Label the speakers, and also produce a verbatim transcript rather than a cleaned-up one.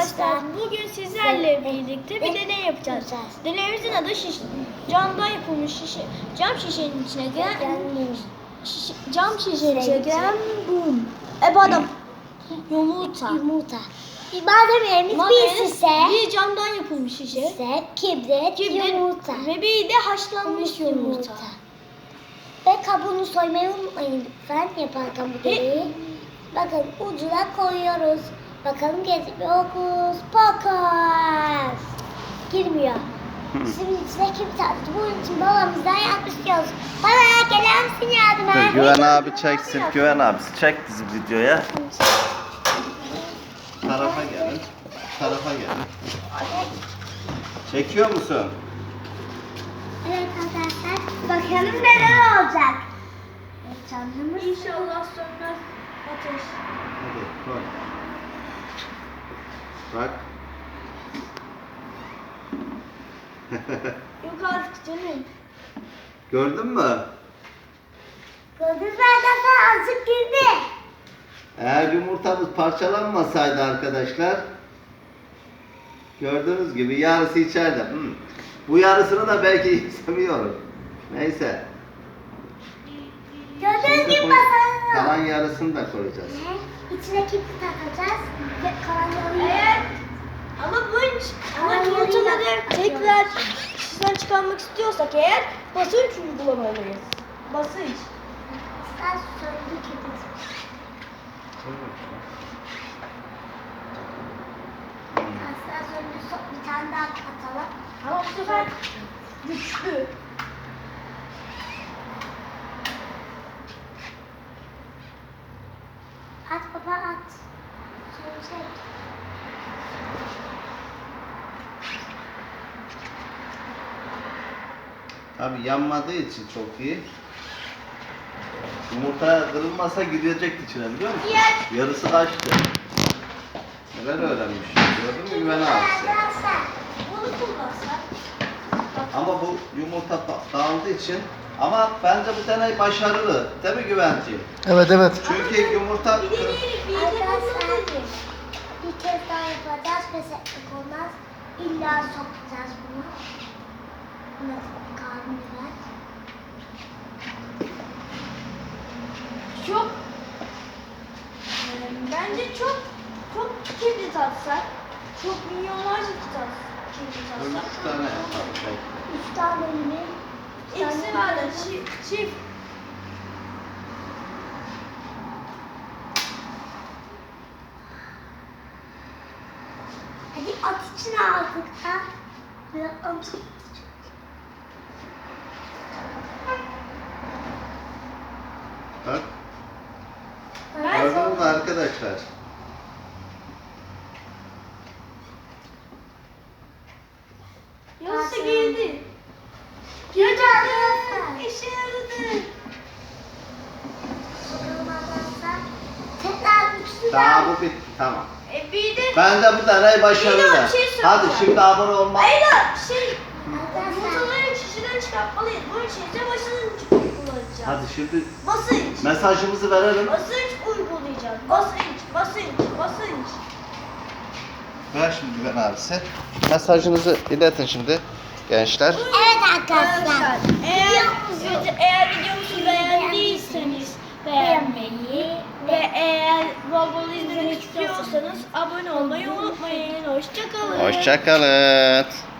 Speaker 1: Arkadaşlar bugün sizlerle birlikte bir deney yapacağız. Deneyimizin adı şiş, camdan yapılmış şişe, cam şişenin içine giren şişe, cam şişenin içine giren bum. E bu adam yumurta.
Speaker 2: Yumurta. Malzemelerimiz bir şişe,
Speaker 1: bir camdan yapılmış şişe,
Speaker 2: şişe kibrit,
Speaker 1: kibrit
Speaker 2: yumurta
Speaker 1: ve bir de haşlanmış yumurta.
Speaker 2: yumurta. Ve kabuğunu soymayı unutmayın lütfen yaparken bu deneyi. Bakın ucuna koyuyoruz. Bakalım gezip okus pokus. Girmiyor. Şimdi içine kibrit attı. Bunun için babamızdan yardım istiyoruz. Bana gelir misin yardıma?
Speaker 3: Dur, Güven abi çeksin. Güven abisi çek bizi videoya. Tarafa gelin. Tarafa gelin. Çekiyor musun?
Speaker 2: Evet arkadaşlar. Bakalım neler olacak. Canımız.
Speaker 1: İnşallah sönmez ateş.
Speaker 3: Hadi koy. Bak.
Speaker 1: Yok artık canım.
Speaker 3: Gördün mü?
Speaker 2: Gördünüz mü arkadaşlar? Azıcık girdi.
Speaker 3: Eğer yumurtamız parçalanmasaydı arkadaşlar, gördüğünüz gibi yarısı içeride. Hmm. Bu yarısını da belki istemiyorum. Neyse.
Speaker 2: Gördüğünüz
Speaker 3: Şimdi
Speaker 2: gibi
Speaker 3: bu
Speaker 2: basalım.
Speaker 3: kalan yarısını da koyacağız.
Speaker 2: İçine kibrit takacağız. Ve kalan yarıyı.
Speaker 1: Eğer ama bu ama
Speaker 2: Kalan
Speaker 1: yumurtaları
Speaker 2: yarıyı da
Speaker 1: tekrar şişeden çıkarmak istiyorsak eğer basınç uygulamalıyız. Basınç.
Speaker 2: Sen söndü kibrit. Aslan söndü. So- Bir tane daha atalım.
Speaker 1: Ama bu sefer güçlü.
Speaker 2: At baba at. Sönecek.
Speaker 3: Tabii yanmadığı için çok iyi. Yumurta kırılmasa gidecekti içine biliyor musun?
Speaker 1: Diğer-
Speaker 3: Yarısı kaçtı. Neler öğrenmiş. Gördün mü Güven abisi?
Speaker 2: Arkadaşlar.
Speaker 1: Bunu kullansak.
Speaker 3: Ama bu yumurta da- dağıldığı için ama bence bu deney başarılı. Değil mi Güvenciğim?
Speaker 4: Evet evet.
Speaker 3: Çünkü yumurta
Speaker 1: Bir deneyelim, bir
Speaker 2: Arkadaşlar.
Speaker 1: deneyelim.
Speaker 2: Bir kez daha yapacağız. Pes etmek olmaz. İlla sokacağız bunu. Nasıl kalmayacak?
Speaker 1: Çok e, bence çok çok kibrit atsak, çok milyonlarca tutar kibrit atsak.
Speaker 3: üç tane yapalım. belki.
Speaker 2: Üç tane mi? Üç tane
Speaker 1: İkisi var da çift, çift.
Speaker 2: Hadi at içine artık ha. Biraz at.
Speaker 3: Bak.
Speaker 1: Ben
Speaker 3: Gördünüz mü arkadaşlar?
Speaker 1: yoksa girdi.
Speaker 2: Girdi
Speaker 1: Gerçekten
Speaker 2: arkadaşlar.
Speaker 1: işe yaradı.
Speaker 2: Bakalım arkadaşlar. Tekrar üçlü
Speaker 3: Daha bu bitti. Tamam.
Speaker 1: E bir de
Speaker 3: Bence bu deney başarılı.
Speaker 1: Bir daha bir şey söyleyeceğim.
Speaker 3: Hadi şimdi abone olma.
Speaker 1: Ayla şey
Speaker 2: Arkadaşlar.
Speaker 1: yumurtaları şişeden çıkartmalıyız. Bunun için de basınç uygulayacağız.
Speaker 3: Hadi şimdi
Speaker 1: Basınç.
Speaker 3: mesajımızı verelim.
Speaker 1: Basınç uygulayacağız. Basınç, basınç, basınç.
Speaker 3: Ver şimdi Güven abisi. Mesajınızı iletin şimdi gençler.
Speaker 2: Evet arkadaşlar.
Speaker 1: Eğer, eğer videomuzu beğendiyseniz beğenmeyi ve eğer bol bol izlemek istiyorsanız abone olmayı unutmayın. Hoşçakalın.
Speaker 3: Hoşçakalın.